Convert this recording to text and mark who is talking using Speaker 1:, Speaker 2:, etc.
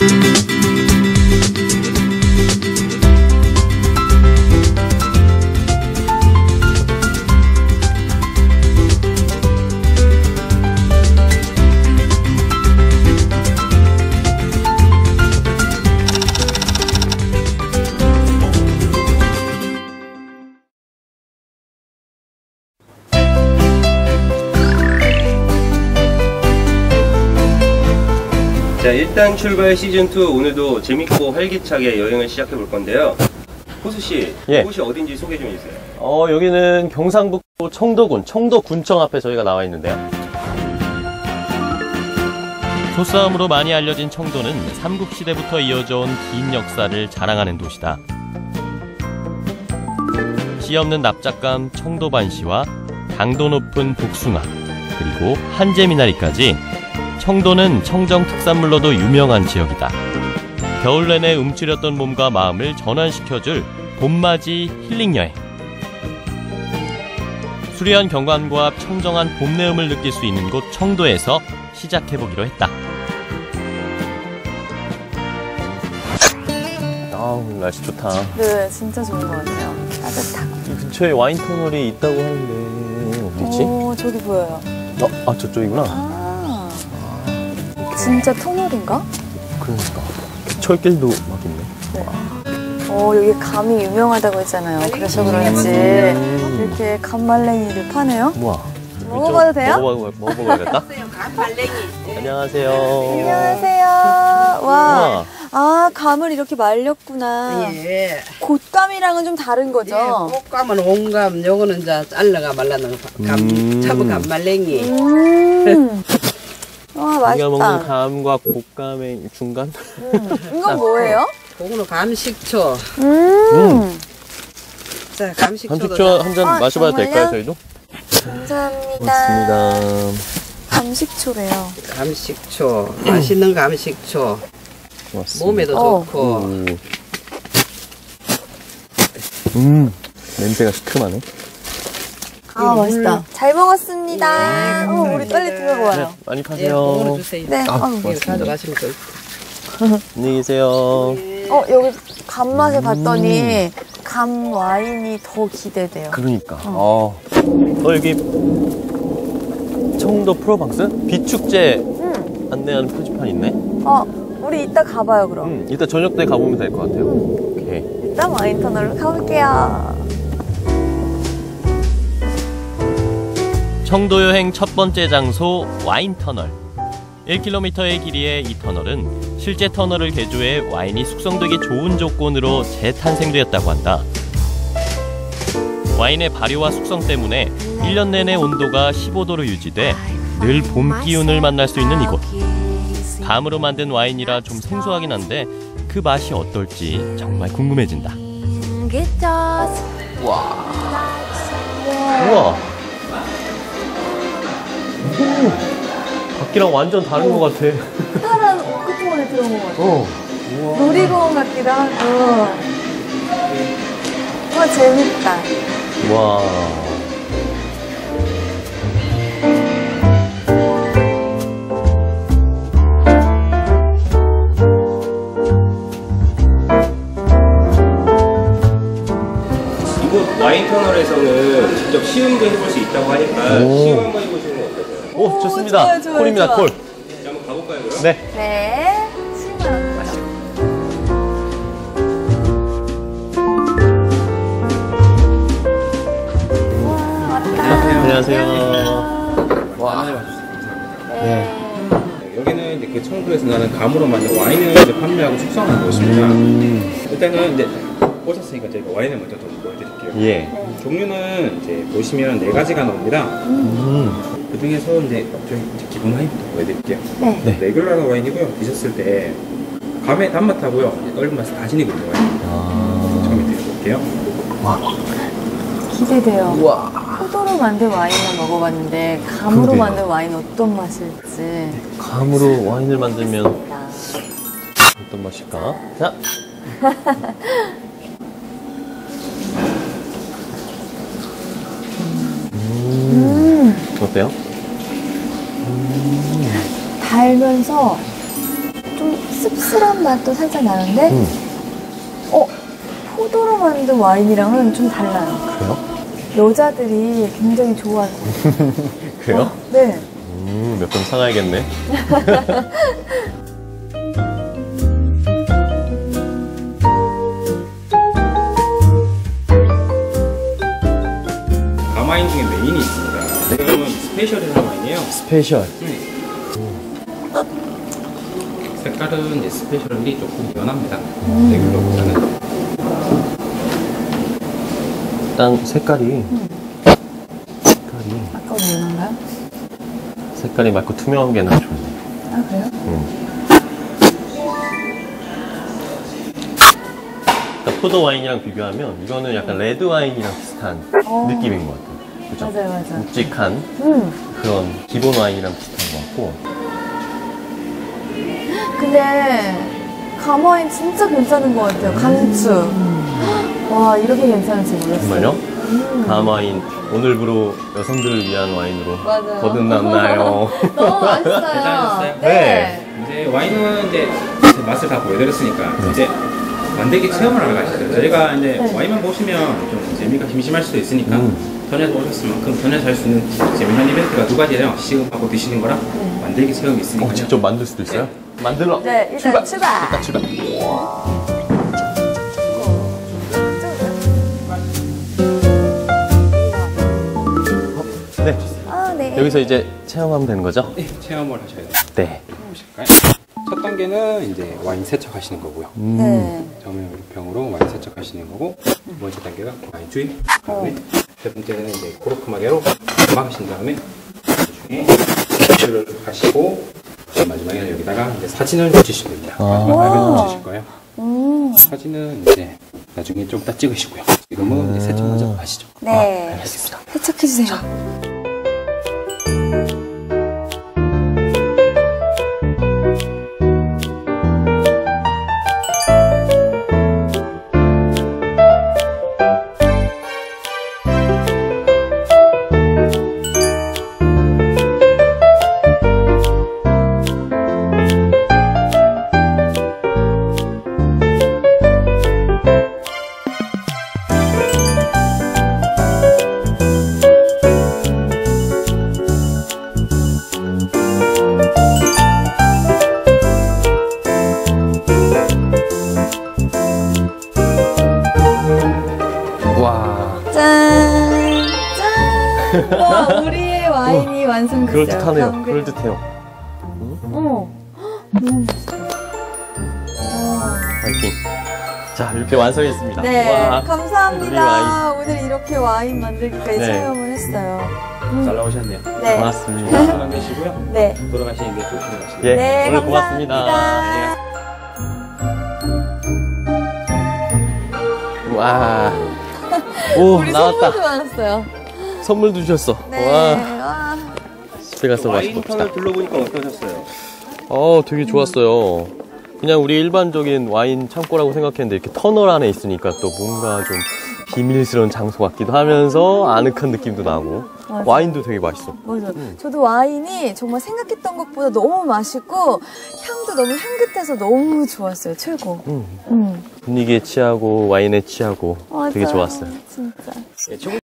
Speaker 1: 자, 일단 출발 시즌2 오늘도 재밌고 활기차게 여행을 시작해 볼 건데요. 호수씨,
Speaker 2: 예.
Speaker 1: 곳이 어딘지 소개 좀 해주세요.
Speaker 2: 여기는 경상북도 청도군, 청도군청 앞에 저희가 나와 있는데요. 소싸움으로 많이 알려진 청도는 삼국시대부터 이어져 온 긴 역사를 자랑하는 도시다. 씨 없는 납작감 청도반시와 당도 높은 복숭아, 그리고 한재미나리까지 청도는 청정 특산물로도 유명한 지역이다. 겨울 내내 움츠렸던 몸과 마음을 전환시켜줄 봄맞이 힐링여행. 수려한 경관과 청정한 봄 내음을 느낄 수 있는 곳 청도에서 시작해보기로 했다. 아우, 날씨 좋다.
Speaker 3: 네, 진짜 좋은 것 같아요. 따뜻하고.
Speaker 2: 이 근처에 와인 터널이 있다고 하는데 어디 있지?
Speaker 3: 저기 보여요.
Speaker 2: 저쪽이구나.
Speaker 3: 진짜 터널인가?
Speaker 2: 그러니까 철길도 막 있네.
Speaker 3: 네. 여기 감이 유명하다고 했잖아요. 그래서 그런지 이렇게 감말랭이를 파네요.
Speaker 2: 우와.
Speaker 3: 먹어봐도 돼요?
Speaker 2: 먹어봐야겠다.
Speaker 4: 감말랭이.
Speaker 2: 안녕하세요.
Speaker 3: 안녕하세요. 와, 아, 감을 이렇게 말렸구나.
Speaker 4: 예.
Speaker 3: 곶감이랑은 좀 다른 거죠?
Speaker 4: 꽃감은 온감, 요거는 이제 잘라가 말라는 참은 감말랭이.
Speaker 3: 와,
Speaker 2: 우리가 먹는
Speaker 3: 맛있다.
Speaker 2: 감과 곶감의 중간?
Speaker 3: 이건 뭐예요?
Speaker 4: 그거는 감식초. 자, 감식초도.
Speaker 2: 감식초 한 잔 마셔봐도
Speaker 3: 정말요?
Speaker 2: 될까요, 저희도?
Speaker 3: 감사합니다.
Speaker 2: 고맙습니다.
Speaker 3: 감식초래요.
Speaker 4: 감식초. 맛있는 감식초.
Speaker 2: 고맙습니다.
Speaker 4: 몸에도 좋고.
Speaker 2: 냄새가 시큼하네.
Speaker 3: 아, 맛있다. 잘 먹었습니다. 우리 빨리 들어가요.
Speaker 2: 네, 많이
Speaker 4: 예,
Speaker 2: 파세요.
Speaker 4: 그거는 주세요.
Speaker 3: 네.
Speaker 4: 이거 가져가시면 돼요.
Speaker 2: 안녕히 계세요.
Speaker 3: 여기 감 맛을 봤더니 감 와인이 더 기대돼요.
Speaker 2: 그러니까. 여기 청도 프로방스 비축제 안내하는 표지판 있네.
Speaker 3: 우리 이따 가봐요, 그럼.
Speaker 2: 이따 저녁 때 가보면 될 것 같아요. 오케이.
Speaker 3: 일단 와인 터널로 가볼게요.
Speaker 2: 청도 여행 첫 번째 장소 와인 터널. 1km의 길이의 이 터널은 실제 터널을 개조해 와인이 숙성되기 좋은 조건으로 재탄생되었다고 한다. 와인의 발효와 숙성 때문에 1년 내내 온도가 15도로 유지돼 늘 봄 기운을 만날 수 있는 이곳. 감으로 만든 와인이라 좀 생소하긴 한데 그 맛이 어떨지 정말 궁금해진다. 우와. 밖이랑 완전 다른 것 같아.
Speaker 3: 파란 끝부분에 들어온 것 같아요. 놀이공원 같기도 하고. 와, 재밌다.
Speaker 2: 와.
Speaker 1: 이곳 와인 터널에서는 직접 시음도 해볼 수 있다고 하니까 시음 한번 해보시는 건 어떨까요?
Speaker 2: 좋습니다.
Speaker 3: 좋아요,
Speaker 2: 콜입니다,
Speaker 3: 좋아.
Speaker 2: 콜.
Speaker 1: 자, 한번 가볼까요, 그럼?
Speaker 2: 네.
Speaker 3: 네. 실망. 와, 왔다.
Speaker 2: 안녕하세요.
Speaker 1: 와. 네. 여기는 이제 그 청도에서 나는 감으로 만든 와인을 이제 판매하고 숙성하는 곳입니다. 일단은 이제 오셨으니까 저희가 와인을 먼저 좀 보여드릴게요.
Speaker 2: 예.
Speaker 1: 종류는 이제 보시면 4가지가 나옵니다. 그 중에서 이제 저희 이제 기본 와인부터 보여드릴게요.
Speaker 3: 네.
Speaker 1: 레귤러 와인이고요. 드셨을 때 감의 단맛하고요, 얼음 맛을 다 지니고 있는 와인입니다. 처음에 드려볼게요.
Speaker 2: 와.
Speaker 3: 기대돼요.
Speaker 2: 우와.
Speaker 3: 포도로 만든 와인만 먹어봤는데 감으로
Speaker 2: 그러게요.
Speaker 3: 만든 와인 어떤 맛일지.
Speaker 2: 감으로 와인을 만들면 어떤 맛일까? 자. 어때요?
Speaker 3: 달면서 좀 씁쓸한 맛도 살짝 나는데, 포도로 만든 와인이랑은 좀 달라요.
Speaker 2: 그래요?
Speaker 3: 여자들이 굉장히 좋아할 것 같아요.
Speaker 2: 그래요?
Speaker 3: 네.
Speaker 2: 몇 번 사가야겠네.
Speaker 1: 가마인 중에 메인이 있습니다. 이거는 스페셜이라는 와인이에요.
Speaker 2: 스페셜.
Speaker 1: 색깔은 이제 스페셜이 조금 연합니다. 레귤러보다는.
Speaker 2: 일단 색깔이
Speaker 3: 아까보다 연한가요?
Speaker 2: 색깔이 맑고 투명한 게 나 좋네.
Speaker 3: 아, 그래요?
Speaker 2: 그러니까 포도 와인이랑 비교하면 이거는 약간 레드 와인이랑 비슷한 느낌인 것 같아요. 그죠?
Speaker 3: 맞아요, 맞아요.
Speaker 2: 묵직한 그런 기본 와인이랑 비슷한 것 같고.
Speaker 3: 근데 감와인 진짜 괜찮은 것 같아요. 강추. 와, 이렇게 괜찮을지 몰랐어요.
Speaker 2: 정말요? 가마인 오늘부로 여성들을 위한 와인으로
Speaker 3: 맞아요.
Speaker 2: 거듭났나요?
Speaker 3: 너무 맛있어요.
Speaker 1: 괜찮으셨어요?
Speaker 3: 네.
Speaker 1: 이제 와인은 이제 맛을 다 보여드렸으니까 이제 만들기 체험을 하러 가시죠. 저희가 이제 와인만 보시면 좀 재미가 심심할 수도 있으니까 전에 오셨을 만큼 전에 살 수 있는 재미난 이벤트가 두 가지예요. 시음하고 드시는 거랑 만들기 체험이 있으니까.
Speaker 2: 직접 만들 수도 있어요? 만들러.
Speaker 3: 네, 일단 출발.
Speaker 2: 일단 출발. 네.
Speaker 3: 아, 네.
Speaker 2: 여기서 이제 체험하면 되는 거죠?
Speaker 1: 네, 체험을 하셔야 돼요.
Speaker 2: 네.
Speaker 1: 보실까요? 첫 단계는 이제 와인 세척하시는 거고요.
Speaker 3: 네.
Speaker 1: 병으로 와인 세척하시는 거고, 두 번째 단계가 와인 주입, 다음에 세 번째는 이제 코르크 마개로 막으신 다음에 나중에 세척을 하시고 마지막에는 여기다가 이제 사진을 붙이시면 됩니다. 마지막에 붙이실 거예요. 사진은 이제 나중에 좀 이따 찍으시고요. 지금은 이제 세척 먼저 하시죠.
Speaker 3: 네.
Speaker 2: 알겠습니다.
Speaker 3: 세척해주세요.
Speaker 2: 와.
Speaker 3: 짠! 짠! 와, 우리의 와인이 완성됐어요.
Speaker 2: 그럴듯하네요. 그럴듯해요.
Speaker 3: 너무 맛있어요.
Speaker 2: 파이팅. 자, 이렇게 완성했습니다.
Speaker 3: 네,
Speaker 2: 와.
Speaker 3: 감사합니다. 오늘 이렇게 와인 만들기까지
Speaker 2: 네.
Speaker 3: 체험을 했어요.
Speaker 1: 잘 나오셨네요.
Speaker 3: 네.
Speaker 2: 고맙습니다.
Speaker 1: 안전 되시고요.
Speaker 3: 네.
Speaker 1: 돌아가시는 게 조심히 가시고요.
Speaker 2: 예,
Speaker 3: 네,
Speaker 2: 오늘
Speaker 3: 감사합니다.
Speaker 2: 고맙습니다. 와. 오,
Speaker 3: 우리
Speaker 2: 나왔다.
Speaker 3: 선물도 많았어요.
Speaker 2: 선물도 주셨어.
Speaker 3: 네.
Speaker 2: 와.
Speaker 3: 와.
Speaker 2: 집에 가서 마셔봅시다.
Speaker 1: 와인턴을 둘러보니까 어떠셨어요?
Speaker 2: 되게 좋았어요. 그냥 우리 일반적인 와인 창고라고 생각했는데 이렇게 터널 안에 있으니까 또 뭔가 좀 비밀스러운 장소 같기도 하면서 아늑한 느낌도 나고
Speaker 3: 맞아요.
Speaker 2: 와인도 되게 맛있어.
Speaker 3: 맞아요. 저도 와인이 정말 생각했던 것보다 너무 맛있고 향도 너무 향긋해서 너무 좋았어요. 최고.
Speaker 2: 분위기에 취하고 와인에 취하고 되게
Speaker 3: 맞아요.
Speaker 2: 좋았어요.
Speaker 3: 진짜.
Speaker 1: 예,